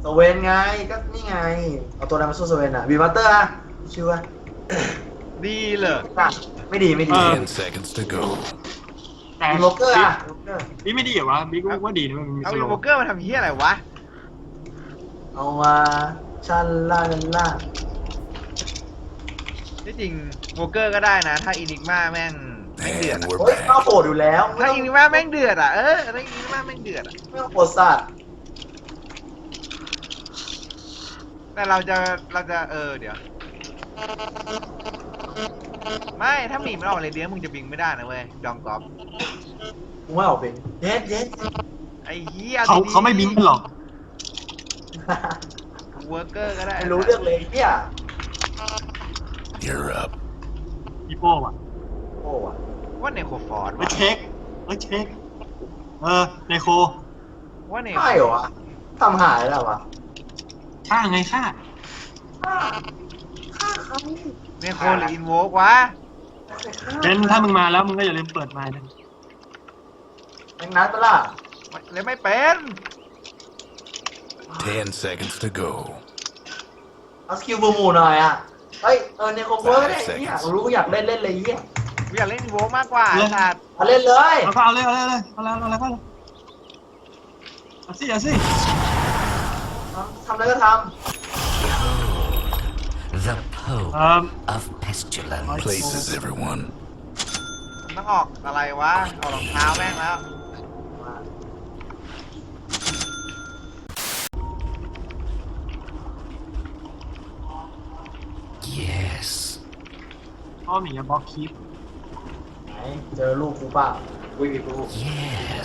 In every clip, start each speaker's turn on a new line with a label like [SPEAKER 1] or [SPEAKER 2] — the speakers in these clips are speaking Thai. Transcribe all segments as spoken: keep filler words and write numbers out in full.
[SPEAKER 1] สเวนไงก็นี่ไงเอาตัวนั้นมาสู้สเวนอ่ะบีบัตเตอร์อะชื่อว่า
[SPEAKER 2] ดีเลย
[SPEAKER 1] ไม่ดีไม่ดี
[SPEAKER 3] Ten seconds to go.
[SPEAKER 4] แต่
[SPEAKER 1] บีโลเกอร์อะบีโลเกอร์
[SPEAKER 4] บิ๊กไม่ดีเหรอวะบิ๊กว่าดีนะมันมี
[SPEAKER 2] เอา
[SPEAKER 4] ส
[SPEAKER 2] อี
[SPEAKER 4] โล
[SPEAKER 2] โวเกอร์มาทำเฮียอะไรวะ
[SPEAKER 1] เอามาชันล่าชันล่า
[SPEAKER 2] ที่จริงโวเกอร์ก็ได้นะ ถ้าอินิกมาแม่งแม่งเดือด
[SPEAKER 3] And
[SPEAKER 2] อะ
[SPEAKER 3] we're
[SPEAKER 1] โอ้ยเข้า
[SPEAKER 3] back.
[SPEAKER 1] โหดอยู่แล้ว
[SPEAKER 2] ถ้าอินิกมาแม่งเดือดอ่ะเออถ้าอินิกมาแม่งเดือดอ่ะ
[SPEAKER 1] ไม่ต้องโหดสัตว์
[SPEAKER 2] แต่เราจะเราจะเออเดี๋ยวไม่ถ้าหมีมันออกเลยเดียวมึงจะบิงไม่ได้นะเว้ยดองกอล์ฟ
[SPEAKER 1] มึงว่าออกเป็นเย็ดเย็ด
[SPEAKER 2] ไอ้เฮีย
[SPEAKER 4] เขาเขาไม่บิงกันหรอก
[SPEAKER 2] เวอร์เกอร์ก็ได้
[SPEAKER 1] ไม่รู้เรื่องเลยเนี่ย
[SPEAKER 3] You're up.
[SPEAKER 4] อีโป้อะ
[SPEAKER 1] โอ้อะ
[SPEAKER 2] ว่าเนโคฟอร์ด
[SPEAKER 4] ไปเช็คไปเช็คเออในโค
[SPEAKER 2] ว่าเน
[SPEAKER 1] ใช่เหรอวะทำหายแล้ววะ
[SPEAKER 4] ฆ่าไงฆ่า
[SPEAKER 1] ฆ่าฆ่าเขา
[SPEAKER 2] เนโคหรืออินโวกวะ
[SPEAKER 4] เบนถ้ามึงมาแล้วมึงก็อย่าลืมเปิดไมค์นะ
[SPEAKER 1] แมงนัดปะล่ะ
[SPEAKER 2] เลยไม่เป็น
[SPEAKER 3] Ten seconds to go.
[SPEAKER 1] เอาสกิลบูมูหน่อยอ่ะเฮ้ยเออในคอมเวอร์ได้เนี่ยรู้อยากเล่นเล่นเลยเนี่ย
[SPEAKER 2] กูอยากเล่นอินโวกมากกว่าไอ้สัตว์
[SPEAKER 1] มาเล่นเลย
[SPEAKER 4] เอาก็เอาเลยเอาเลยเอาเลยเอาเลยเอาเลยเอาสิเอาสิ
[SPEAKER 1] ทำอะไรก็ท
[SPEAKER 5] The pole
[SPEAKER 4] เอ่อ
[SPEAKER 5] of pestilence.
[SPEAKER 3] Places, everyone.
[SPEAKER 2] มันต้องออกอะไรวะออกรองเท้าแม่งแล้ว
[SPEAKER 5] Yes.
[SPEAKER 4] พ่อหมีบล็อกคีป
[SPEAKER 1] ำไหนเจอลูกกูเปล่าวิ่งอีกลูก
[SPEAKER 5] Yes.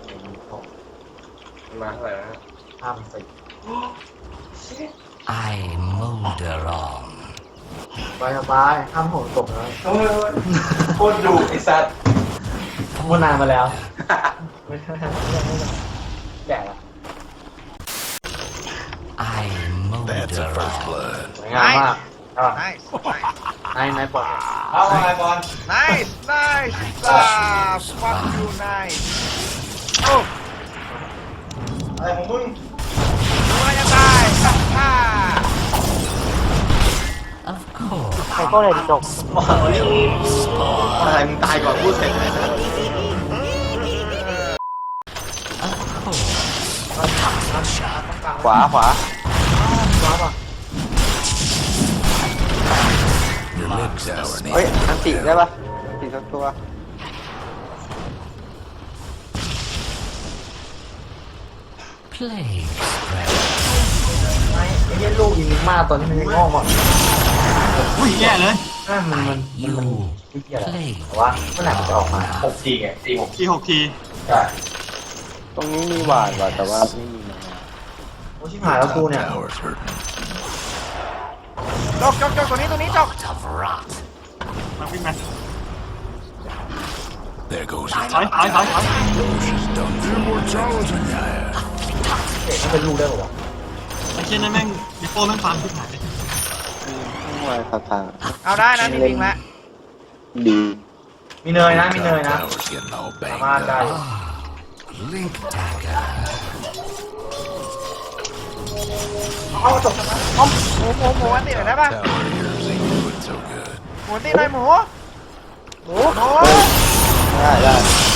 [SPEAKER 1] มาเท่าไหร่นะห้าสิบ
[SPEAKER 5] I molder on.
[SPEAKER 1] สบายสบายห้ามโหดตกเลยเฮ้ยโคตรดุไอ้สัตว์พูดนานมาแล้วไม่ได้แก่ละ
[SPEAKER 5] I
[SPEAKER 3] That's a
[SPEAKER 5] molder
[SPEAKER 3] first
[SPEAKER 5] on.
[SPEAKER 3] blood.
[SPEAKER 1] สวยงามมากอ่ะ
[SPEAKER 2] ไนส์
[SPEAKER 1] นายนายปลดเอาไงบอล
[SPEAKER 2] ไนส์ไนส์อ่า fuck you nice โอ้
[SPEAKER 1] อะไรของมึง
[SPEAKER 2] ดูอะไรจะตายฮ่า
[SPEAKER 5] Of course.
[SPEAKER 1] ใครก็เลยจบอะไรมึงตายก่อนพูดเสร็จเลยนะ
[SPEAKER 5] Of course.
[SPEAKER 1] ขวาขวาขวาป่ะ
[SPEAKER 3] Your mid tower
[SPEAKER 1] เฮ้ย
[SPEAKER 3] needs
[SPEAKER 1] อันติได้ป่ะติสักตัว
[SPEAKER 5] Plague spread.
[SPEAKER 1] ไม่ไอ้เหี้ยลูกยิงมากตอนนี้มันยังงอกอ่ะ
[SPEAKER 4] อุ้ยแย่เลย
[SPEAKER 1] นั่นมันมันมันมัน
[SPEAKER 5] You
[SPEAKER 1] ไม่เกี่ยวหรอก
[SPEAKER 5] plague.
[SPEAKER 1] แต่ว่าเมื่อไหร่มันจะออกมาหกทีไงสี่หก
[SPEAKER 4] ทีหกที
[SPEAKER 1] ใช่
[SPEAKER 6] ตรงนี้มีหวานว่ะแต่ว่าไม่มีมา
[SPEAKER 1] โอ้ชิบหายแล้วกู
[SPEAKER 3] top
[SPEAKER 1] เนี่ย
[SPEAKER 3] tower's hurting.
[SPEAKER 2] จกจกจกตัวนี้ตัวนี้จก
[SPEAKER 5] Of rot.
[SPEAKER 4] มาวิ่งมา
[SPEAKER 3] There goes
[SPEAKER 4] ถอยถอยถอยถอย
[SPEAKER 3] She's done for. Immortality. Yeah.
[SPEAKER 1] เด็กมันเป็นลูกได้ป่าวะ
[SPEAKER 4] ไอ้เช่นนั้นแม่งอีโป้แม่งฟาร์มขึ้นหายเลย
[SPEAKER 6] ไม่ไหวครับทาง
[SPEAKER 2] เอาได้นะจริงๆแล้ว
[SPEAKER 6] ดี
[SPEAKER 1] มีเนยนะมีเนย
[SPEAKER 3] Top
[SPEAKER 1] นะ
[SPEAKER 3] tower's getting all
[SPEAKER 1] สามารถ
[SPEAKER 3] banged
[SPEAKER 1] ได้
[SPEAKER 3] up.
[SPEAKER 5] Link dagger.
[SPEAKER 1] เอาจบ
[SPEAKER 2] หมูหมูหมูหมูอันติหน่อยได้ป่ะ
[SPEAKER 3] Tower of yours ain't doing so good.
[SPEAKER 2] หมูอันติหน่อยหมูหมูหมู
[SPEAKER 6] ได้ได้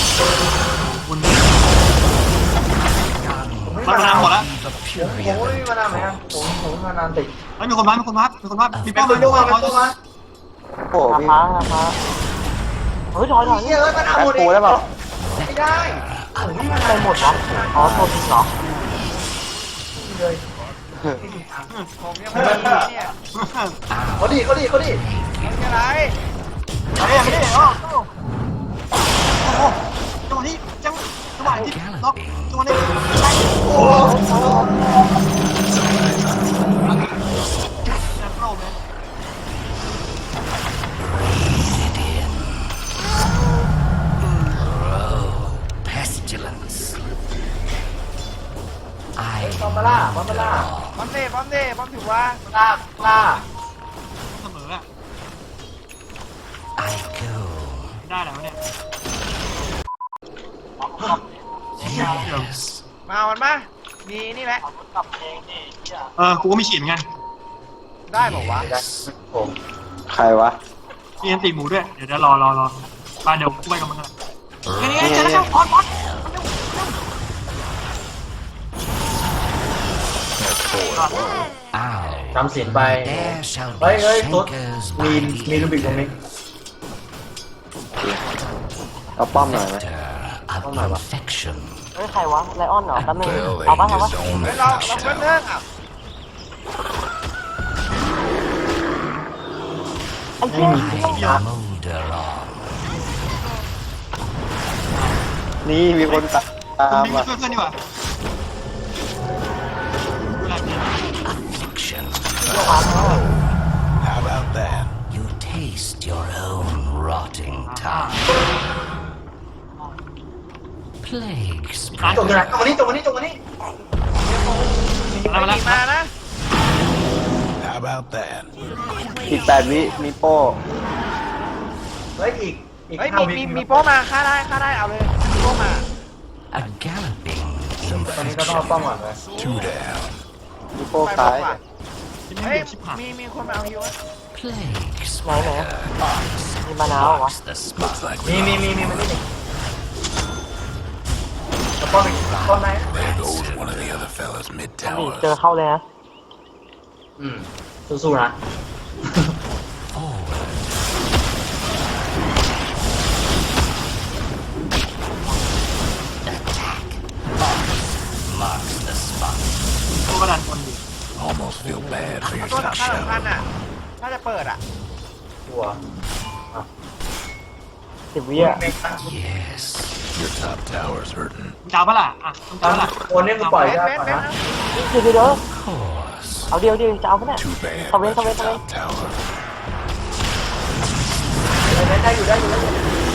[SPEAKER 4] มันมานานหมดแล้ว
[SPEAKER 5] The
[SPEAKER 1] ผม
[SPEAKER 5] fury
[SPEAKER 1] ผม
[SPEAKER 5] of
[SPEAKER 1] ไม่มีมานานไหมครับผมผมมานานติด
[SPEAKER 4] เฮ้ยมีคนมามีคนมามีคนมามี
[SPEAKER 1] เป็
[SPEAKER 4] แป้
[SPEAKER 1] น
[SPEAKER 4] ง
[SPEAKER 1] ตัวมาเป็นตัวมา
[SPEAKER 6] โอ้พี่
[SPEAKER 1] เฮ้ยถอยถอยเฮ้ยมันเอาหมด
[SPEAKER 6] แบ็คโฮได้เปล่า
[SPEAKER 1] ไม่ได้ผมไม่มาหมดนะอ๋อตัวจริงเหรอเลย
[SPEAKER 2] ผมยังไม่ได้เนี่ย
[SPEAKER 1] เขาดีเขาดีเขาดี
[SPEAKER 2] มันจะไร
[SPEAKER 4] เฮ้ยไม่ได้เหรอโอ้โหจังหวะนี้จังจังหวะที่ล็อกจังหวะนี้
[SPEAKER 1] โอ้โห
[SPEAKER 4] แอบเข้าเลย
[SPEAKER 5] pestilence.
[SPEAKER 1] บอมบาร่าบอมบาร่า
[SPEAKER 2] บอมเด้บอมเด้บอมถือว่า
[SPEAKER 1] ล่าล่า
[SPEAKER 4] เสมออะ
[SPEAKER 5] I go.
[SPEAKER 4] ได้แล้วเนี่ย
[SPEAKER 5] Yes.
[SPEAKER 2] มามันมามีนี่แหละ
[SPEAKER 4] เออ กูก็มีฉีดเหมือนกัน
[SPEAKER 2] ได้บอกว่าว
[SPEAKER 1] ได้ผม
[SPEAKER 6] ใครวะ
[SPEAKER 4] มีอันตีหมูด้วย เดี๋ยวเดี๋ยวรอรอรอมาเดี๋ยวกูไปกับมึงกันเฮ้ยเจอแล้วบอลบอล
[SPEAKER 5] Ow.
[SPEAKER 1] จำศีลไป
[SPEAKER 5] There shall
[SPEAKER 1] เฮ้ย
[SPEAKER 5] be
[SPEAKER 1] เฮ้ยตุ๊ด
[SPEAKER 5] thinkers
[SPEAKER 1] มี
[SPEAKER 5] by
[SPEAKER 1] มี
[SPEAKER 5] the
[SPEAKER 1] ลูบิกตรงนี้
[SPEAKER 6] เอาป้อมหน่อยไหม
[SPEAKER 5] vector of infection.
[SPEAKER 7] เฮ้ยใครวะไลออนเหรอแป๊บนึง
[SPEAKER 3] Well,
[SPEAKER 7] เอาปะ
[SPEAKER 3] ain't
[SPEAKER 7] เอาปะ
[SPEAKER 3] his own
[SPEAKER 2] เฮ้ยเราเราเพิ่ง
[SPEAKER 3] pasture.
[SPEAKER 2] เลิกอ่ะ
[SPEAKER 7] ไอ้เหี้ย
[SPEAKER 5] Molder on.
[SPEAKER 6] นี่มีคนตาม
[SPEAKER 4] มึง
[SPEAKER 6] อ่ะ
[SPEAKER 4] ช่วยเพื่อนดีกว่า
[SPEAKER 5] Affliction.
[SPEAKER 3] How about that?
[SPEAKER 5] You taste your own rotting tongue. Plague
[SPEAKER 1] ตรง
[SPEAKER 5] spread.
[SPEAKER 1] ไหนตรงนี้ตรงนี้ตรงนี้
[SPEAKER 4] มาแล้ว
[SPEAKER 2] ไม่
[SPEAKER 4] มา
[SPEAKER 2] มี
[SPEAKER 4] แล้ว
[SPEAKER 2] มานะ
[SPEAKER 3] How about that?
[SPEAKER 6] อีกแปดวิมีโป้
[SPEAKER 1] เฮ้ยอีกอีก
[SPEAKER 2] เฮ้ย
[SPEAKER 1] ห้า
[SPEAKER 2] มี
[SPEAKER 1] วิ
[SPEAKER 2] มีมีโป้มาฆ่าได้ฆ่าได้เอาเลยมีโป้มา
[SPEAKER 5] A galloping
[SPEAKER 1] ตอนนี้ก็ต้องเอาป้อม
[SPEAKER 5] infection.
[SPEAKER 1] ก่อนเลย
[SPEAKER 3] Two down.
[SPEAKER 6] มีโป้
[SPEAKER 2] ไป
[SPEAKER 6] ซ้าย
[SPEAKER 2] ว่ะ
[SPEAKER 4] ที่ไม่
[SPEAKER 2] เฮ้ย
[SPEAKER 4] เห็นชิบหาย
[SPEAKER 2] มีมีคนมาเอาฮิว
[SPEAKER 5] Plague
[SPEAKER 7] ไหนไหน
[SPEAKER 5] spreader.
[SPEAKER 7] มีมะนาวเหรอวะ
[SPEAKER 5] Marks the
[SPEAKER 3] Looks
[SPEAKER 5] spot.
[SPEAKER 3] like
[SPEAKER 1] มี
[SPEAKER 3] we
[SPEAKER 1] มีมีมีมันนี่แล้วป้อมอีกป้อมไหน
[SPEAKER 3] There goes one of the other fellas mid
[SPEAKER 7] นี่เจ
[SPEAKER 3] tower.
[SPEAKER 7] อเข้าเลยนะ
[SPEAKER 1] อืมสู้ๆนะ
[SPEAKER 5] Forward. Attack. Marks the spot.
[SPEAKER 4] กูกระดานคนอยู่
[SPEAKER 3] Almost feel bad for
[SPEAKER 2] ตัว
[SPEAKER 3] yourself,
[SPEAKER 2] สำคัญสำคัญ
[SPEAKER 3] Shell.
[SPEAKER 2] อ่ะถ้าจะเปิดอ่ะ
[SPEAKER 1] ตัว
[SPEAKER 7] สิบวิอ่ะ
[SPEAKER 5] Yes.
[SPEAKER 3] Your top tower's hurting.
[SPEAKER 4] มึงจะเอาปะล่ะอ่ะมึงจะเอาปะล่ะ
[SPEAKER 1] คนนี้กูปล่อย
[SPEAKER 2] เบส
[SPEAKER 1] ได้
[SPEAKER 2] เบส
[SPEAKER 1] ก่อน
[SPEAKER 2] เบส
[SPEAKER 1] นะ
[SPEAKER 2] นะ
[SPEAKER 7] เดี๋ยวเดี๋ยวเดี๋ยว
[SPEAKER 5] Of course.
[SPEAKER 7] เอาเดียวเดียวจะเอาปะเนี่ย
[SPEAKER 3] Too bad
[SPEAKER 7] ตะเวน
[SPEAKER 3] about
[SPEAKER 7] ตะเว
[SPEAKER 3] your
[SPEAKER 7] นตะเวน
[SPEAKER 3] top tower.
[SPEAKER 1] ได้อยู่ได้อยู่ได้อยู่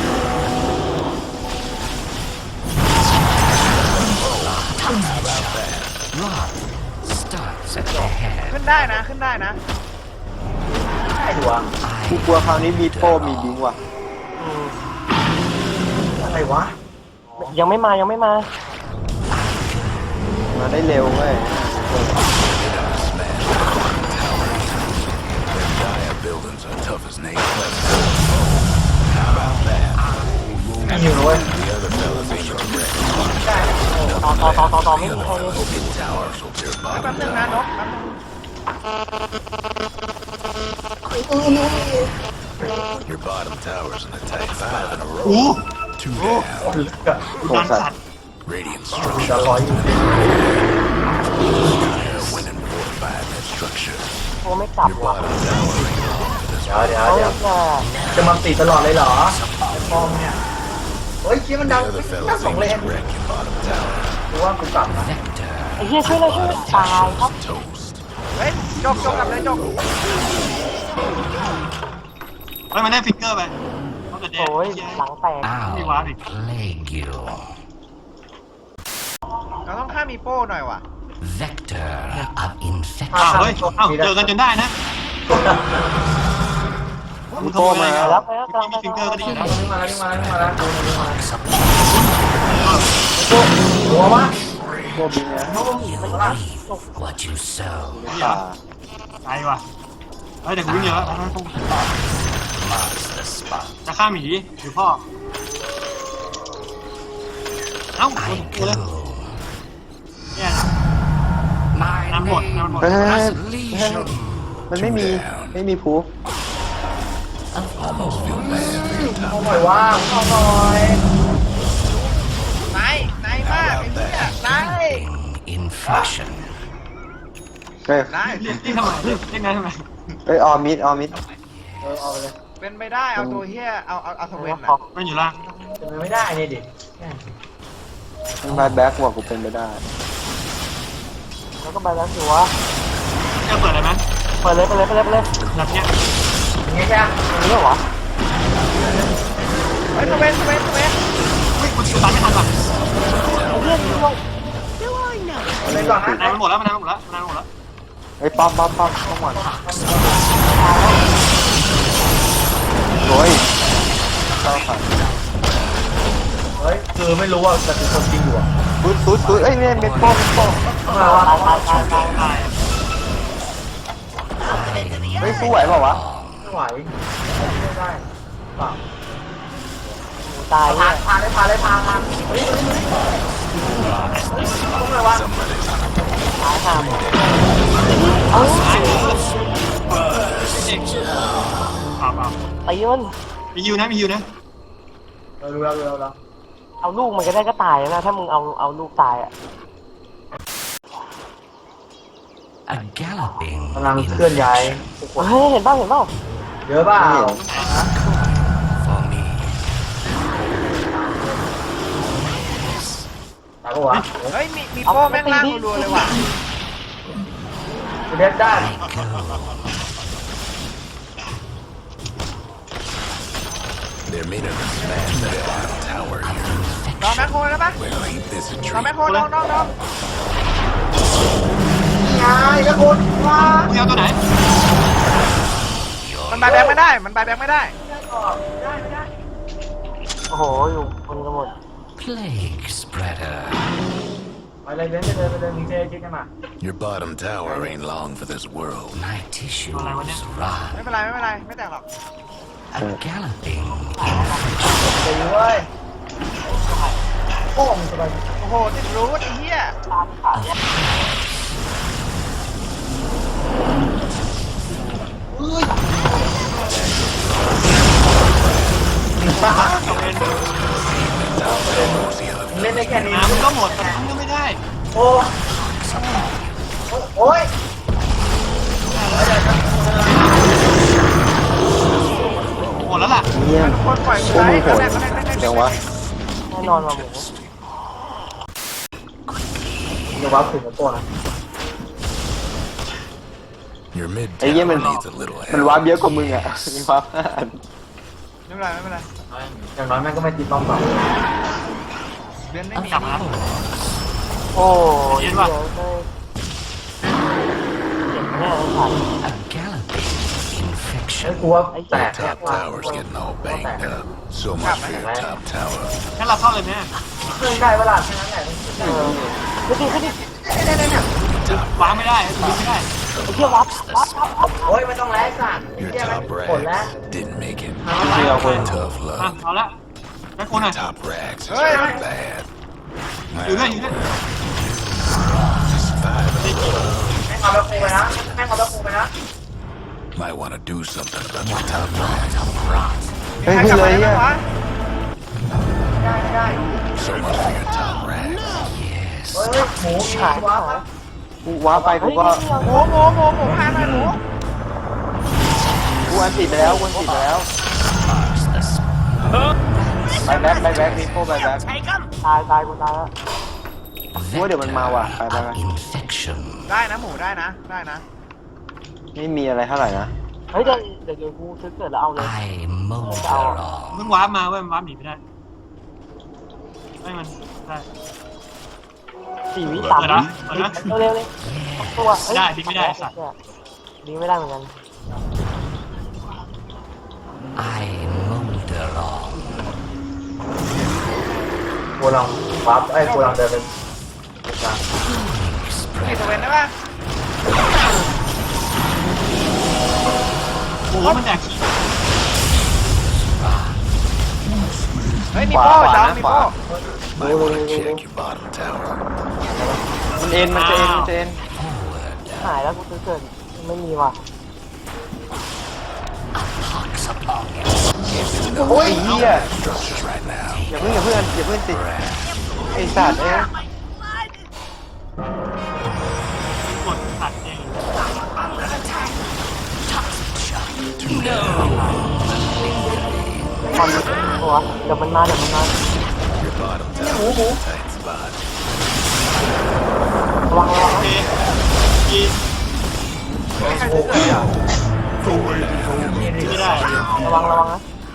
[SPEAKER 5] Rod starts at the head.
[SPEAKER 2] ขึ้นได้นะขึ้นได้นะ
[SPEAKER 1] ได้อยู่วะ
[SPEAKER 6] กูกลัวคราวนี้มีโป้มีบิงว่ะ
[SPEAKER 7] อืม
[SPEAKER 1] อะไรวะ
[SPEAKER 7] ยังไม่มายังไม่มา
[SPEAKER 6] มาได้เร็วเว้ย
[SPEAKER 3] Dire buildings are tough as nails. How about that?
[SPEAKER 1] มีอยู่นะเว้ย
[SPEAKER 3] The other fellas ain't your wreck.
[SPEAKER 7] ต่อต่อต่อต่อต่อไม่มีใครเลย
[SPEAKER 3] Mid towers will tear
[SPEAKER 2] แป๊บ
[SPEAKER 3] bottom
[SPEAKER 2] นึงนะ
[SPEAKER 3] down.
[SPEAKER 2] นกแป๊บนึง
[SPEAKER 3] Your bottom tower's in attack five in a
[SPEAKER 4] โอ้
[SPEAKER 3] row. Two down.
[SPEAKER 1] ลึกอะ
[SPEAKER 6] โห
[SPEAKER 4] ดัน
[SPEAKER 6] สัต
[SPEAKER 4] สัต
[SPEAKER 6] ว์
[SPEAKER 4] ว์
[SPEAKER 3] Radiant
[SPEAKER 1] จะ
[SPEAKER 3] structure.
[SPEAKER 1] ร้อยอยู่
[SPEAKER 3] They're winning fortified that structure.
[SPEAKER 7] โอ้ไม่กลับ
[SPEAKER 3] Your
[SPEAKER 7] ว่ะ
[SPEAKER 3] bottom tower ain't wrong for this
[SPEAKER 1] เดี๋ยวเดี๋ยว
[SPEAKER 7] เขา
[SPEAKER 1] เดี๋ยว
[SPEAKER 7] จะ
[SPEAKER 1] จะมาตีตลอดเลยเหรอไอ้ป้อมเนี่ยเฮ้ยคิดมันดัง
[SPEAKER 3] The other
[SPEAKER 1] แค่
[SPEAKER 3] fellas
[SPEAKER 1] สอง
[SPEAKER 3] ain't
[SPEAKER 1] เลน
[SPEAKER 3] your wreck, your bottom tower.
[SPEAKER 1] กูว่ากูกลับนะ
[SPEAKER 5] Vector.
[SPEAKER 7] ไอ้เหี้ยช่วยเลยช่วยเลยตายครับ
[SPEAKER 3] Toast.
[SPEAKER 2] เฮ้ยจบจบกลับเลยจบ
[SPEAKER 4] เฮ้ยมันได้ฟิกเกอร์ไปเขาจะแดง
[SPEAKER 7] โอ้ย
[SPEAKER 4] เหี้ย
[SPEAKER 7] หลังแตก
[SPEAKER 4] ไม่ว้าดิ
[SPEAKER 5] Plague you.
[SPEAKER 2] เราต้องฆ่ามีโป้หน่อยว่ะ
[SPEAKER 5] Vector of
[SPEAKER 4] อ้าว
[SPEAKER 5] infection.
[SPEAKER 4] เฮ้ยอ้าวเจอกันจนได้นะ
[SPEAKER 6] มีโป้มา
[SPEAKER 7] แล้
[SPEAKER 6] แล้ว ว
[SPEAKER 7] ไปแล้วกำลัง
[SPEAKER 4] มีฟิกเกอร์ก็ดีนะ
[SPEAKER 1] มาแล้วมาแล้วมาแล้วมาแล้ว
[SPEAKER 5] Marks of
[SPEAKER 1] หัววะ
[SPEAKER 6] โป้บิงนะ
[SPEAKER 5] you reap what you sow.
[SPEAKER 6] ป่า
[SPEAKER 4] ตายว่ะเฮ้ยเดี๋ยวกูวิ่งเยอะแล้วนะพวก
[SPEAKER 5] Marks the spot.
[SPEAKER 4] จะฆ่าหมีหรือพ่อ เอ้าโด
[SPEAKER 5] I
[SPEAKER 4] นกูเลย
[SPEAKER 5] go.
[SPEAKER 4] เนี่ย
[SPEAKER 5] My
[SPEAKER 4] Nam một,
[SPEAKER 5] name
[SPEAKER 4] Nam một.
[SPEAKER 6] เฮ้ย
[SPEAKER 5] is Legion.
[SPEAKER 6] มันไม่มี ไม่มีพูฟ
[SPEAKER 3] Almost feel bad for your
[SPEAKER 1] เอา
[SPEAKER 3] top.
[SPEAKER 1] หน่อยว่าเอาหน่อย
[SPEAKER 2] นายนายมากไอ้เหี้ยนาย
[SPEAKER 5] Infection.
[SPEAKER 6] เฮ้ย
[SPEAKER 2] นาย
[SPEAKER 4] เรียกเรียกทำไมเรียกเรียกนายทำไม
[SPEAKER 6] เฮ้ยออมิดออมิด
[SPEAKER 1] เออเอาไปเลย
[SPEAKER 2] เป็นไปได้เอาตัวเหี้ยเอาเอาเอาสเวน
[SPEAKER 7] ขอ
[SPEAKER 2] อ่ะ
[SPEAKER 4] มันอยู่ล่าง
[SPEAKER 1] เป็นไปไม่ได้เนี่ยดิ
[SPEAKER 6] มันมาแบ็กบอกกูเป็นไปได้
[SPEAKER 7] แล้วก็ไปแล้วสิวะ
[SPEAKER 4] จะเปิดอะไรไหม
[SPEAKER 7] เปิดเลยเปิดเลยเปิดเลยเปิดเลย
[SPEAKER 4] แบบเนี้ย
[SPEAKER 1] อย่างเงี้ยใช่ไหม
[SPEAKER 7] อันนี้เหรอ
[SPEAKER 2] เฮ้ยสเวนสเวนสเวน
[SPEAKER 4] เฮ้ยกูตามไม่ทันว่ะ
[SPEAKER 7] ไอ้เหี้ยนี่ลง
[SPEAKER 1] เอาเลยก่อนนะ
[SPEAKER 4] นายมันหมดแล้วมันนายมันหมดแล้วมันนายมันหมดแล้ว
[SPEAKER 6] เฮ้ยป้อมป้อมป้อมป้อมหมดโอ้ยเข้าฝัน
[SPEAKER 1] เฮ้ยคือไม่รู้ว่าแต่คือคนจริงอยู่อ่ะ
[SPEAKER 6] ตุ๊ดตุ๊ดตุ๊ดเอ้ยเนี่ยเม็ดโป้เม็ดโป้
[SPEAKER 1] มาว่า
[SPEAKER 7] ตายตายตายตาย
[SPEAKER 4] ตาย
[SPEAKER 6] เฮ้ยสู้ไหวเปล่าวะ
[SPEAKER 1] ไม่ไหวไม่ได้เปล่า
[SPEAKER 7] ตาย
[SPEAKER 1] พา
[SPEAKER 7] เนี่ย
[SPEAKER 1] พาเลยพาเลยพาพาเฮ้ยเฮ้ยเฮ้ยต้องเลยวะ
[SPEAKER 3] Somebody's on a
[SPEAKER 7] ตายห่าเอ้า
[SPEAKER 4] ตายเด็กเปล่าเปล่า
[SPEAKER 7] ตีมัน
[SPEAKER 4] มีฮิวนะมีฮิวนะ
[SPEAKER 1] เออรู้แล้วรู้แล้วรู้แล้ว
[SPEAKER 7] เอาลูกมันก็ได้ก็ตายนะถ้ามึงเอาเอาลูกตายอ่ะ
[SPEAKER 5] A galloping
[SPEAKER 1] กำลังเคลื่อนย้ายทุกคน
[SPEAKER 7] เฮ้ยเห็นป่าวเห็นป่าว
[SPEAKER 1] เยอะเปล่า
[SPEAKER 5] for me.
[SPEAKER 1] ตายปะวะ
[SPEAKER 2] เฮ้ยมีมีโป้แม่งล่างรัวๆเลยว่ะ
[SPEAKER 1] เด็ดได้
[SPEAKER 5] I go.
[SPEAKER 3] They're made of a smash that bottom tower here.
[SPEAKER 2] ลองแม็กโคได้ปะ
[SPEAKER 3] Well, ain't this a
[SPEAKER 2] ลองแม็ก
[SPEAKER 3] treat?
[SPEAKER 2] โคลองลองลอง
[SPEAKER 1] ยายแล้วคนว้า
[SPEAKER 4] มึงเอาตัวไหน
[SPEAKER 2] มันบายแบงไม่ได้ มันบายแบงไม่ได้
[SPEAKER 7] โอ้โหอยู่คนกันหมด
[SPEAKER 5] Plague spreader.
[SPEAKER 1] ไปเลยเดินไปเลยไปเลยมีเจคิดกันมา
[SPEAKER 3] Your bottom tower ain't long for this world.
[SPEAKER 5] My tissues
[SPEAKER 2] ไม่
[SPEAKER 5] run.
[SPEAKER 2] เป็นไรไม่เป็นไรไม่แตกหรอก
[SPEAKER 5] A galloping
[SPEAKER 1] ตีเว้ยโอ้มสบาย
[SPEAKER 2] โอ้โหติดรูทไอ้เหี้ย
[SPEAKER 1] เล่นได้แค่นี้
[SPEAKER 4] น้ำมันก็หมดแต่ทำก็ไม่ได้
[SPEAKER 1] โอ้โอ้ย
[SPEAKER 4] หมดแล้วล่ะ
[SPEAKER 6] เยี่ยม
[SPEAKER 2] คนปล่อยมือ
[SPEAKER 6] โอ้
[SPEAKER 2] ไว้
[SPEAKER 6] มึงโห
[SPEAKER 2] ก็
[SPEAKER 6] ด
[SPEAKER 2] ได้ก็ได้ก็ได้
[SPEAKER 6] เดี๋ยววะ
[SPEAKER 7] แน่นอนว่ะหมู
[SPEAKER 1] เดี๋ยววับถึงกับตัวนะ
[SPEAKER 3] Your mid
[SPEAKER 6] ไอ้เยี่ย
[SPEAKER 3] tower
[SPEAKER 6] มัน
[SPEAKER 3] needs a little
[SPEAKER 6] มัน
[SPEAKER 3] help.
[SPEAKER 6] วาร์ปเยอะกว่ามึงอ่ะมีวาร์ปห้าอัน
[SPEAKER 2] ไม่เป็นไรไม่เป็นไร
[SPEAKER 1] อย่างน้อยแม่งก็ไม่ติดต้องเปล่า
[SPEAKER 2] เดือนไม่
[SPEAKER 5] of
[SPEAKER 2] มี
[SPEAKER 5] course.
[SPEAKER 7] โอ้ย
[SPEAKER 4] เย็
[SPEAKER 7] เดี๋ย
[SPEAKER 4] น
[SPEAKER 7] ว
[SPEAKER 4] ว่ะ
[SPEAKER 7] เลยเจ็บแน่เลยผ่าน
[SPEAKER 5] A galloping
[SPEAKER 1] ไอ้
[SPEAKER 5] infection.
[SPEAKER 1] กูว่าแตก
[SPEAKER 3] Top tower's getting all banged up. So much for your top tower.
[SPEAKER 4] งั้นเราเข้าเลยไหม
[SPEAKER 1] เคยได้เวลาแค่นั้นแหละ
[SPEAKER 7] เออขึ้นดิขึ้นดิ
[SPEAKER 4] วางไม่ได้ดึงไม่ได้
[SPEAKER 7] ไอ้เที่ยววับวับวับวับ
[SPEAKER 1] โอ้ยไม่ต้องแลกสั่น
[SPEAKER 3] Your
[SPEAKER 1] เที่ยแม่ง
[SPEAKER 3] top
[SPEAKER 1] ผลแล้ว
[SPEAKER 3] rags didn't make it.
[SPEAKER 6] เชื่อคน
[SPEAKER 3] Tough
[SPEAKER 4] อ่ะ
[SPEAKER 3] luck.
[SPEAKER 4] เอาละแม็กโคนหน่อย
[SPEAKER 3] Top rags is
[SPEAKER 2] Hey,
[SPEAKER 3] pretty
[SPEAKER 2] hey.
[SPEAKER 3] bad.
[SPEAKER 4] อยู่ด้วยอยู่ด้วย
[SPEAKER 3] Survive
[SPEAKER 1] แม่งเอาแบบกูไปนะแม่งเอาแบบกูไปนะ
[SPEAKER 3] might want to do something about your top rags.
[SPEAKER 6] เฮ้ย
[SPEAKER 2] ใคร
[SPEAKER 6] ขึ้
[SPEAKER 2] กลั
[SPEAKER 6] น
[SPEAKER 2] บ
[SPEAKER 6] เล
[SPEAKER 2] มาย ได้ไหม
[SPEAKER 6] เนี่ยว
[SPEAKER 2] ะ
[SPEAKER 1] ไม่ได้ไม่ได้
[SPEAKER 3] So much for your top rags.
[SPEAKER 5] Yes.
[SPEAKER 1] เฮ้ยหมูมีวับครับ
[SPEAKER 6] กูวาร์ปไปกู
[SPEAKER 7] เฮ้ย
[SPEAKER 6] ก็
[SPEAKER 7] นี่เอา
[SPEAKER 2] หมูหมูหมูหมูพาหน่อยหมู
[SPEAKER 6] กูอันติดไปแล้วกูอันติดไปแล้ว
[SPEAKER 5] Marks the spot.
[SPEAKER 6] ไปแบ็คไปแบ็คมีโฟไปแบ็ค
[SPEAKER 7] ตายตายกูตายแล้ว
[SPEAKER 6] กูว่าเดี๋ยวมันมาว่ะไปไปไป
[SPEAKER 5] Of infection.
[SPEAKER 2] ได้นะหมูได้นะได้นะ
[SPEAKER 6] ไม่มีอะไรเท่าไหร่นะ
[SPEAKER 7] เฮ้ยเดี๋ยวเดี๋ยวเดี๋ยวกูซื้อเกิดแล้วเอาเลย
[SPEAKER 5] I molder
[SPEAKER 4] มัน
[SPEAKER 5] on.
[SPEAKER 4] วาร์ปมาเว้ยมันวาร์ปหนีไม่ได้ไม่มันได้
[SPEAKER 7] สี่วิสาม
[SPEAKER 4] เปิด
[SPEAKER 7] วิ
[SPEAKER 4] นะเปิดนะ
[SPEAKER 7] เร็วๆเลยตัวเฮ้ย
[SPEAKER 4] ได้ดิ้งไม่ได้สัตว์
[SPEAKER 7] ดิ้งไม่ได้เหมือนกัน
[SPEAKER 5] I molder on.
[SPEAKER 1] กูลองวับไอ้กูลองเดินเป็นกลาง
[SPEAKER 2] มี
[SPEAKER 5] Spread.
[SPEAKER 2] ตัวเวนได้ปะ
[SPEAKER 4] โอ้โหมันแดกขี้
[SPEAKER 2] เฮ้ยมี
[SPEAKER 6] ขวา
[SPEAKER 2] โป้
[SPEAKER 6] ขวา
[SPEAKER 2] จ้า
[SPEAKER 6] นะ
[SPEAKER 2] มี
[SPEAKER 6] ขวา
[SPEAKER 2] โป้
[SPEAKER 3] Might want to check your bottom tower.
[SPEAKER 6] มันเอ็นมันจะเอ็นมันจะเอ็น
[SPEAKER 5] Forward.
[SPEAKER 7] หายแล้วกูซื้อเกิดไม่มีว่ะ
[SPEAKER 5] Pox upon you.
[SPEAKER 6] โอ้ยเหี้ย
[SPEAKER 3] Structures right now.
[SPEAKER 6] อย่าเพิ่งอย่าเพิ่งอย่าเพิ่งติดไอ้สัตว์เอ้ย
[SPEAKER 4] กดตัดเอง
[SPEAKER 7] ความรู้สึกตัวเดี๋ยวมันมาเดี๋ยวมันมา
[SPEAKER 3] Your bottom tower's in a tight spot.
[SPEAKER 7] ระวังระวัง
[SPEAKER 4] โอเคกี
[SPEAKER 2] ไม่ใครซื้อเกิดอ่ะ
[SPEAKER 4] ไม่ได้
[SPEAKER 7] ระวังระวังนะ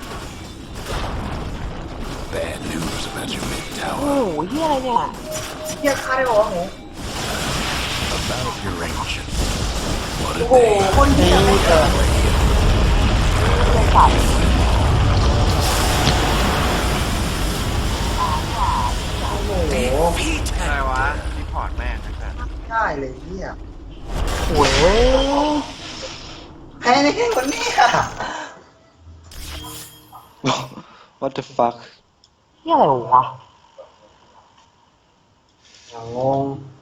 [SPEAKER 3] Bad news about your mid
[SPEAKER 7] โอ้
[SPEAKER 3] tower.
[SPEAKER 7] โหเฮียอะไรเนี่ย
[SPEAKER 1] เที่ยฆ่าได้บอกว่าหมู
[SPEAKER 3] About your ancient. What
[SPEAKER 1] โอ้
[SPEAKER 3] a
[SPEAKER 1] โห
[SPEAKER 3] day.
[SPEAKER 1] คนเที่ยไม่เจอ
[SPEAKER 7] เรื่องสัตว์
[SPEAKER 1] โอ้โห
[SPEAKER 2] อะไรวะรีพอร์ตแม่งไอ้สัส
[SPEAKER 4] ได้เลยเนี่ย
[SPEAKER 7] โอ้ย
[SPEAKER 4] แพ้ในแค่คนนี้อะ
[SPEAKER 6] what the fuck
[SPEAKER 7] เฮียอะไรวะ
[SPEAKER 1] อย่างงง